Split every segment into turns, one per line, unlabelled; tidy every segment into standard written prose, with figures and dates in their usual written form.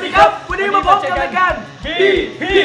ดีครับวันนี้มาพบกันรายการพี่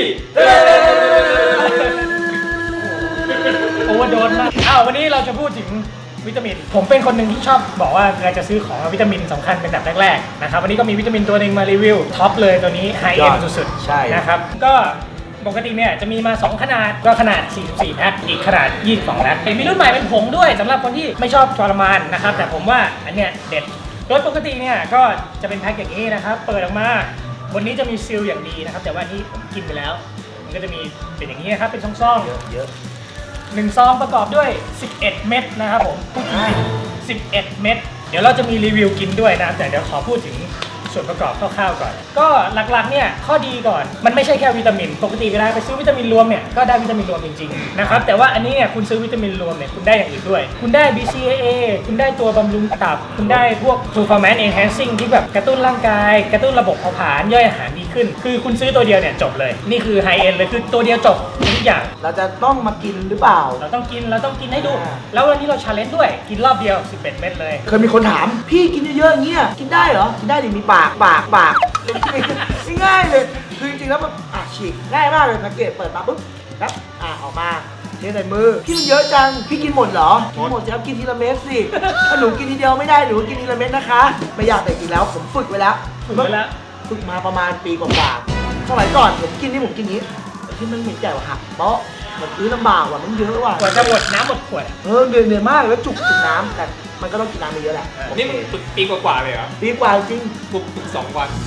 โอเวอร์โดสมากวันนี้เราจะพูดถึงวิตามินผมเป็นคนหนึ่งที่ชอบบอกว่าเราจะซื้อของวิตามินสำคัญเป็นแบบแรกๆนะครับวันนี้ก็มีวิตามินตัวหนึ่งมารีวิวท็อปเลยตัวนี้ไฮเอ็นด์สุดๆนะครับก็ปกติเนี่ยจะมีมา2ขนาดก็ขนาด44แพ็คอีกขนาด22แพ็คมีรุ่นใหม่เป็นผงด้วยสำหรับคนที่ไม่ชอบทรมานนะครับแต่ผมว่าอันเนี้ยเด็ดโดยปกติเนี่ยก็จะเป็นแพ็คอย่างนี้นะครับเปิดออกมาบนนี้จะมีซีลอย่างดีนะครับแต่ว่านี่ผมกินไปแล้วมันก็จะมีเป็นอย่างนี้นะครับเป็นซ่องๆเยอะ1ซองประกอบด้วย 11 เม็ดนะครับผมพูดจริงๆ11 เม็ดเดี๋ยวเราจะมีรีวิวกินด้วยนะแต่เดี๋ยวขอพูดถึงส่วนประกอบคร่าวๆก่อนก็หลักๆเนี่ยข้อดีก่อนมันไม่ใช่แค่วิตามินปกติเวลาไปซื้อวิตามินรวมเนี่ยก็ได้วิตามินรวมจริงๆนะครับแต่ว่าอันนี้เนี่ยคุณซื้อวิตามินรวมเนี่ยคุณได้อย่างอื่นด้วยคุณได้ BCAA คุณได้ตัวบำรุงตับคุณได้พวก performance enhancing ที่แบบกระตุ้นร่างกายกระตุ้นระบบเผาผลาญย่อยอาหารดีขึ้นคือคุณซื้อตัวเดียวเนี่ยจบเลยนี่คือ high end เลยคือตัวเดียวจบทุกอย่าง
เราจะต้องมากินหรือเปล่า
เราต้องกินให้ดูแล้ววันนี้เรา challenge ด้วยกินรอบเดียว11 เม็ดเลย
เคยมีคนถามพี่กินเยอะๆอย่างเงี้ยกินได้เหรอกินได้ดิมีปากง่ายเลยคือจริงๆแล้วมันฉีกง่ายมากเลยแพ็กเกจเปิดมาปุ๊บแล้วออกมาเทใส่มือพี่มันเยอะจังพี่กินหมดเหรอกินหมดสิครับกินทีละเม็ดสิถ้าหนูกินทีเดียวไม่ได้หนูกินทีละเม็ดนะคะไม่อยากแต่จริงแล้วผมฝึกไว้แล้วฝึกมาประมาณปีกว่าๆสมัยก่อนผมกินนี้ที่มันเหม็นใหญ่กว่าหักเปาะมันลำบากว่ะมันเยอะว่ะ
กว่าจะหมดน้ำหมดขวด
เหนื่อยมากแล้วจุกน้ำแต่มันก็ต้องกินน้ำเยอะแหละ
นี่มันฝึกปีกว่าเลยเหรอ
ปีกว่าจริง
ฝึก2 วัน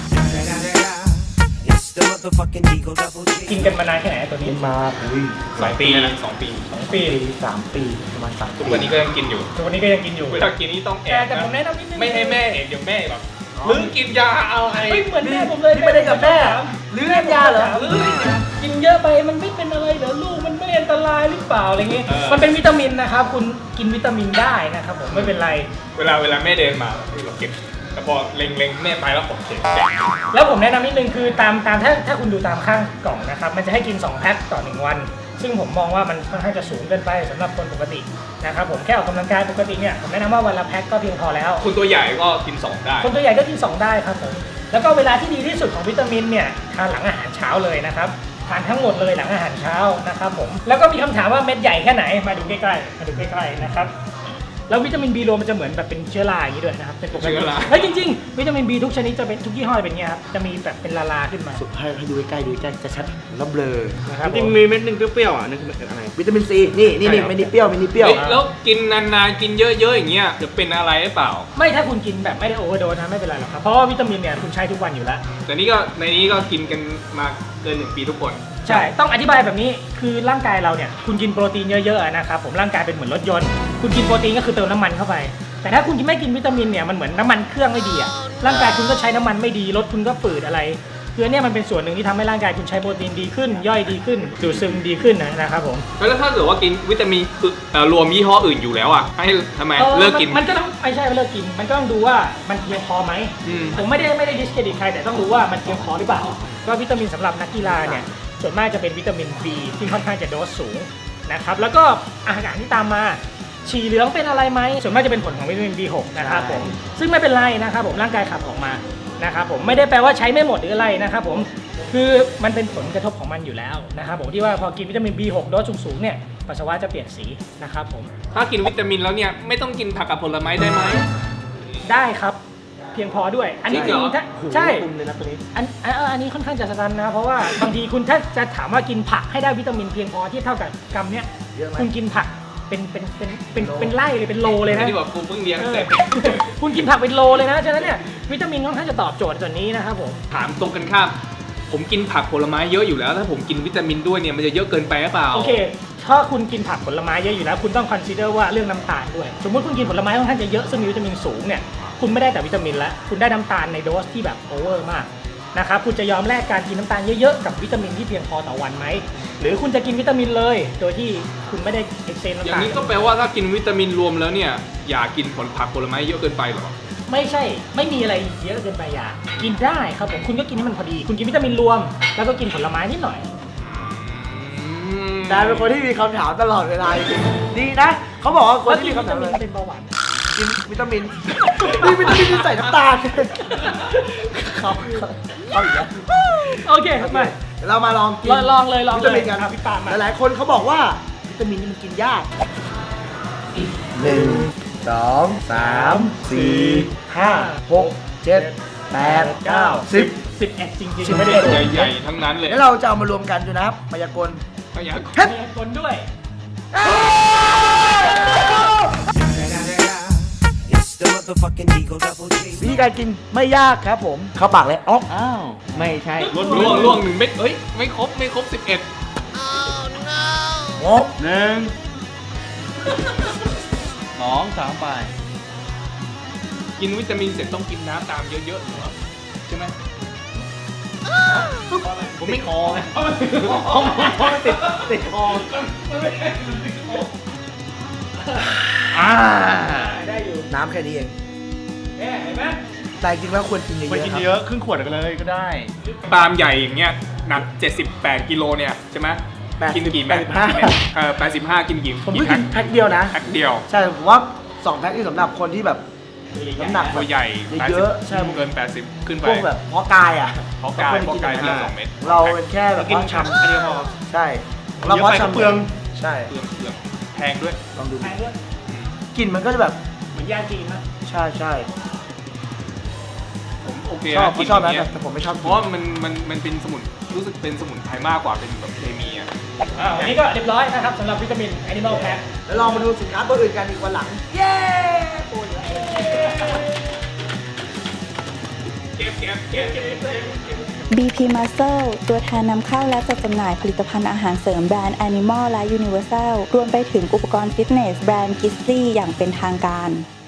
กินกันมานานแค่ไหนตัวนี้
มา
2 ปีนะ2 ปี
3 ปีประมาณ3 ปี
ทุกวันนี้ก็ยังกินอยู่เวลากินนี่ต้องแอบ
แต่ผมแนะนำนิดนึง
ไม่ให้แม่เห็นเดี๋ยวแม่แบบหรือกินยาอะไร
ไม่เหมือนแม่ผมเลย
ไม่ได้กับแม่หรือกินยาเหรอ
กินเยอะไปมันไม่เป็นอะไรเหรอลูกมันไม่อันตรายหรือเปล่าอะไรเงี้ยมันเป็นวิตามินนะครับคุณกินวิตามินได้นะครับผมไม่เป็นไร
เวลาแม่เดินมาเราเก็บแต่พอเล็งแม่ไปแล้วผมเก็บ
แล้วผมแนะนำนิดนึงคือตามถ้าคุณดูตามข้างกล่องนะครับมันจะให้กิน2แพ็คต่อ1วันซึ่งผมมองว่ามันค่อนข้างจะสูงเกินไปสำหรับคนปกตินะครับผมแค่ออกกำลังกายปกติเนี่ยผมแนะนำว่าวันละแพ็คก็เพียงพอแล้ว
คนตัวใหญ่ก็กิน2ได้
คนตัวใหญ่ก็กิน2ได้ครับผมแล้วก็เวลาที่ดีที่สุดของวิตามินเนี่ยทานหลังอาหารเช้าเลยนะครับทานทั้งหมดเลยหลังอาหารเช้านะครับผมแล้วก็มีคำถามว่าเม็ดใหญ่แค่ไหนมาดูใกล้ๆนะครับแล้ววิตามิน B รวมมันจะเหมือนแบบเป็นเชื้อราอย่างนี้ด้วยนะครับเป็นปกติแล้วจริงๆวิตามิน B ทุกชนิดจะเป็นทุกยี่ห้อเป็นเงี้ยครับจะมีแบบเป็นลาขึ้นมา
สุดให้ดูใกล้ๆจะชัดแล้วเบลอ
นะครับจริงมีเม็ดนึงเปรี้ยวๆนั่นคืออะไร
วิตามินซีนี่ไม่ได้เปรี้ยว
แล้วกินนานๆกินเยอะๆอย่างเงี้ยจะเป็นอะไรหรือเปล่า
ไม่ถ้าคุณกินแบบไม่ได้โอเวอร์โดสนะไม่เป็นไรหรอกครับเพราะว่าวิตามินเนี่ยคุณใช้ทุกวันอยู่แล้ว
แต่นี่ก็ในนี้ก็กินกันมาเกิน1 ปีทุกคน
ใช่ต้องอธิบายแบบนี้คือร่างกายเราเนี่ยคุณกินโปรตีนเยอะๆนะครับผมร่างกายเป็นเหมือนรถยนต์คุณกินโปรตีนก็คือเติมน้ำมันเข้าไปแต่ถ้าคุณไม่กินวิตามินเนี่ยมันเหมือนน้ำมันเครื่องไม่ดีอะร่างกายคุณก็ใช้น้ำมันไม่ดีรถคุณก็ฝืดอะไรคือเนี่ยมันเป็นส่วนหนึ่งที่ทำให้ร่างกายคุณใช้โปรตีนดีขึ้นย่อยดีขึ้นดูดซึมดีขึ้นนะครับผม
แล้วถ้าเกิดว่ากินวิตามินรวมยี่ห้ออื่นอยู่แล้วอ่ะให้ทำไมเลิกกิน
มันก็ต้องไม่ใช่เลิกกินมันก็ต้องดูว่ามันเพียงพอไหมผมไม่ได้ดิสเครดิตใครแต่ต้องรู้ว่ามันเพียงพอหรือเปล่าก็วิตามินสำหรับนักกีฬาเนี่ยส่วนมากจะเป็นวิตามิน B ที่ค่อนข้างจะโดสสูงนะครับแล้วก็อาหารที่ตามมาฉี่เหลืองเป็นอะไรไหมส่วนมากจะเป็นผลของวิตามิน B6 นะครับผมซึ่งไม่เป็นไรนะครับผมร่างกายขับออกมานะครับผมไม่ได้แปลว่าใช้ไม่หมดหรืออะไรนะครับผมคือมันเป็นผลกระทบของมันอยู่แล้วนะครับผมที่ว่าพอกินวิตามิน B6 โดสสูงๆเนี่ยปัสสาวะจะเปลี่ยนสีนะครับผม
ถ้ากินวิตามินแล้วเนี่ยไม่ต้องกินผักกับผลไม้ได้ไหม
ได้ครับเพียงพอด้วยอันนี้จริงใช่
เลยนะตัวนี้
อันนี้ค่อนข้างจะสตันนะเพราะว่าบางทีคุณถ้าจะถามว่ากินผักให้ได้วิตามินเพียงพอที่เท่ากับกรัมเนี้ยคุณกินผักเป็นไร่เลยเป็นโลเลยนะ
ที่บอกกูเพิ่งเลี้ยงเสร็จ
คุณกินผักเป็นโลเลยนะฉะนั้นเนี่ยวิตามินค่อนข้างจะตอบโจทย์ส่วนนี้นะครับผม
ถามตรงกันข้ามผมกินผักผลไม้เยอะอยู่แล้วถ้าผมกินวิตามินด้วยเนี่ยมันจะเยอะเกินไปหรือเปล่า
โอเคถ้าคุณกินผักผลไม้เยอะอยู่แล้วคุณต้องคอนซิเดอร์ว่าเรื่องน้ำตาลด้วยสมมติคุณกินผลไม้ค่อนข้างจะเยอะซึ่งมีวิตามินสูงเนี่ยคุณไม่ได้แต่วิตามินแล้วคุณได้น้ำตาลในโดสที่แบบโอเวอร์มากนะครับคุณจะยอมแลกการกินน้ำตาลเยอะๆกับวิตามินที่เพียงพอต่อวันไหมหรือคุณจะกินวิตามินเลยโดยที่คุณไม่ได้เอ็กเซนน้ำตาล
อย่างนี้ก็แปลว่าถ้ากินวิตามินรวมแล้วเนี่ยอย่ากินผักผลไม้เยอะเกินไปหรอ
ไม่ใช่ไม่มีอะไรเยอะเกินไปอย่ากินได้ครับผมคุณก็กินให้มันพอดีคุณกินวิตามินรวมแล้วก็กินผลไม้นิดหน่อย
แต่เป็นคนที่มีคำถามตลอดเวลาดีนะเขาบอกว่าคนที่มีคำถาม
เป็นเบาหวาน
กินวิตามินนี่วิตามินที่ใส่น้ำตาลเขาอีกแล้ว
โอเคมา
เดี๋ยวเรามาลองกิน
ลองเลย
วิตามินกัน
อ่ะพี่ปาล์มมา
หลายๆคนเขาบอกว่าวิตามินนี่มันกินยาก1 2 3 4 5 6 7 8 9 10
11จริง
11
ๆไม่ได้ดู
ใหญ่ๆทั้งนั้นเลย
แล้วเราจะเอามารวมกันดูนะครับมายากล
พยากรณ์
เฮ็ด
มีคนด้วย
It's the motherfucking Eagle Double G.
วิธีการกินไม่ยากครับผมเข้าปากเลยอ๊อก
อ้าว ไม่ใช่
ล่วง1 เม็ดเอ้ยไม่ครบ11
งบ
1 2 3 ไป
กินวิตามินเสร็จต้องกินน้ำตามเยอะๆเหรอใช่ไหมผมไม่คอไง
ติดคอ
ได้อยู่
น้ำแค่นี้เอง
เนี่ยเห็นไหม
แต่จริงๆแล้วควรกินเย
ไป
อะ
กิน
ๆครับ
เยอะครึ่งขวดกันเลยก็ได้
ปาล์มใหญ่อย่างเงี้ยหนัก78 กิโลเนี่ยใช่ไหมกินกี่แม็ก 85กินกี่
ผมเพิ่ง
แพ็
กิ
คน
แพ็คเดียวนะ
แพ็คเดียว
ใช่ผมว่า2แพ็คที่สำหรับคนที่แบบน้ำหนัก
ตัวใหญ่
เยอะๆใช่
เกิน80ขึ้นไป
พวกแบบเพาะกายอ่ะ
เพราะกายทีละ2 เม็ด
เราเป็นแค่แบบ
กิน
เพาะ
ชำอันเดียวพอ
ใช่เราเพาะชำ
เปลือง
ใช่
เปลืองแพงด้วย
ลองดู
แพงด้วย
กลิ่นมันก็จะแบบ
เหมือนยาจีนนะ
ใช่ใช่
ผมโอเค
ชอบ
กิน
ชอบนะ
ย่างเงี้ย
แต่ผมไม่ชอบ
เพ
กิน
ราะว่ามันเป็นสมุนรู้สึกเป็นสมุนไพรมากกว่าเป็นแบบเคมีอ่ะ
วันนี้ก็เรียบร้อยนะครับสำหรับวิตามิน Animal Pack
แล้วลองมาดูสินค้าตัวอื่นกันอีกวันหลัง เย้
BP Muscle ตัวแทนนำเข้าและจัดจำหน่ายผลิตภัณฑ์อาหารเสริมแบรนด์ Animal และ Universal รวมไปถึงอุปกรณ์ฟิตเนสแบรนด์ Grizzly อย่างเป็นทางการ